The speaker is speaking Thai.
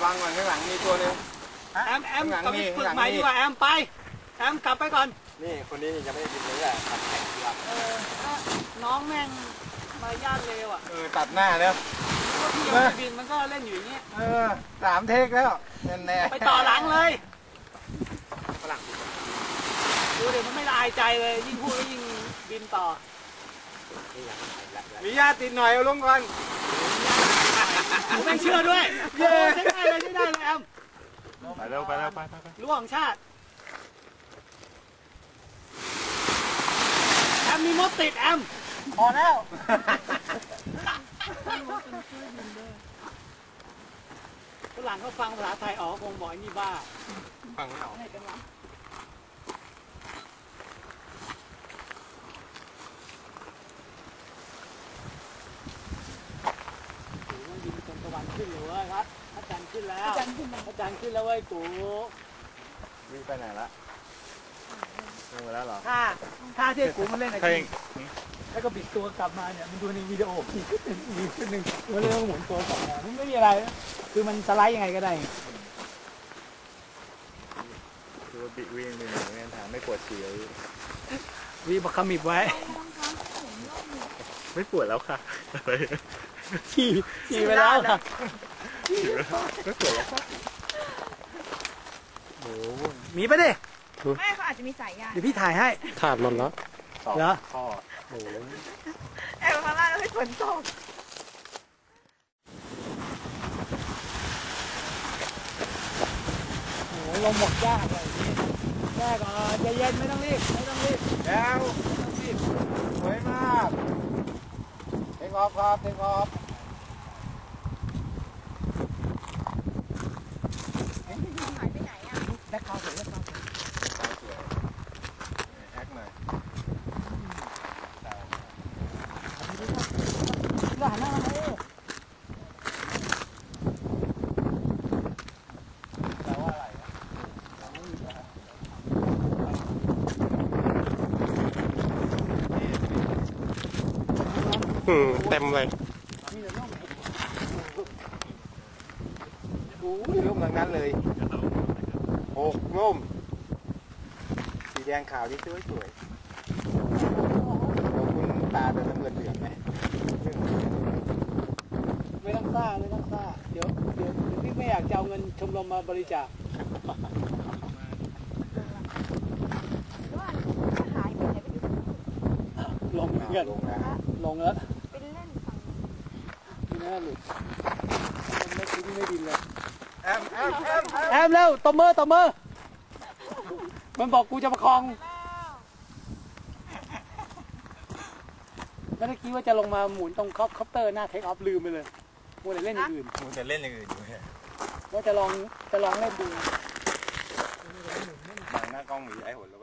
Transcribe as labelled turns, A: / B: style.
A: วังก่อนข้างหลังมีตัวนึง
B: แอมกลับไปฝึกใหม่ดีกว่าแอมไปแอมกลับไปก่อน
A: นี่คนนี้ยังไม่ได้บินเลยแหละตัดแข่งดีกว่า
B: น้องแม่งมารยาทเลวอ่ะ
A: ตัดหน้าแล้ว
B: พี่ยังไม่บินมันก็เล่นอยู่อย่างนี้
A: 3 เทคแล้วแน่
B: ไปต่อหลังเลยฝรั่งดูเดี๋ยวมันไม่ละอายใจเลยยิ่งพูดก็ยิ่งบินต่อ
A: มีญาติติดหน่อยเอาลงก่อน
B: ผมไม่เชื่อด้วยใช่ได้เลยแอม
A: ไปเร็วไป
B: รั้วของชาติแอมมีมดติดแอมพอแล้วฝรั่งเขาฟังภาษาไทยออกคงบอกนี่บ้า
A: ฟังไม่ออก
B: ตะวันขึ้นเลยครับพระจันทร์ขึ้นแล้วพระจันทร์ขึ้นแล้วเว้ยกู
A: วิ่งไปไหนละลงไปแล้วเหรอ
B: ท่าที่กูมันเล่นอะไรแล้วก็บิดตัวกลับมาเนี่ยมันดูในวิดีโออีกขึ้นหนึ่งมันเรื่องหมุนตัวกลับมามันไม่มีอะไรคือมันสไลด์ยังไงก็ได้
A: คือบิดวิ่งไปไหนเนี่ยถามไม่ปวดฉี่
B: วีบักขมิบไว้
A: ไม่ปวดแล้วค่ะ
B: ขี่ไปแล้วค่ะ
A: ไม่ปวดแล้วค่ะโอ้
B: มีปะดิ
C: ไม่เขาอาจจะมีสายยาง
B: เดี๋ยวพี่ถ่ายให้
A: ขาดหมดแล้ว
B: เหรอ
A: ข้อโอ้
C: แอบข้างล่างให้ฝนตก
B: โอ้ลมหมดยากเลยแรกก่อนใจเย็นไม่ต้องรีบ
A: แล้วสวยมากเทคออฟครับเทคออฟ
C: หายไปไหนอ่ะ
B: แบ็คเขาสวย
A: แอคหน่อย
B: หวานมากเลย
A: แปลว่าอะไรเต็มเลยร่มทั้งนั้นเลย6 ร่มสีแดงขาวที่สวยเราคุณตาเป็นน้ำเงินเหลืองไหม
B: ไม่ต้องซ่าเดี๋ยวพี่ไม่อยากจะเอาเงินชมรมมาบริจาค
C: หายไปไหนไป
B: ลงแล้ว
C: ไปเล่นฝั่ง
B: นี่น่าหลุดไม่ดินเลย
A: แอม
B: เร็วตบมือมันบอกกูจะประคองแล้วเมื่อกี้ว่าจะลงมาหมุนตรงคอปเตอร์หน้าเทคออฟลืมไปเลยมัวแต่เล่นอย่างอื่น
A: อยู่
B: ว่าจะลองเล่นดู
A: บางหน้ากล้องมีไอ้หัวแล้ว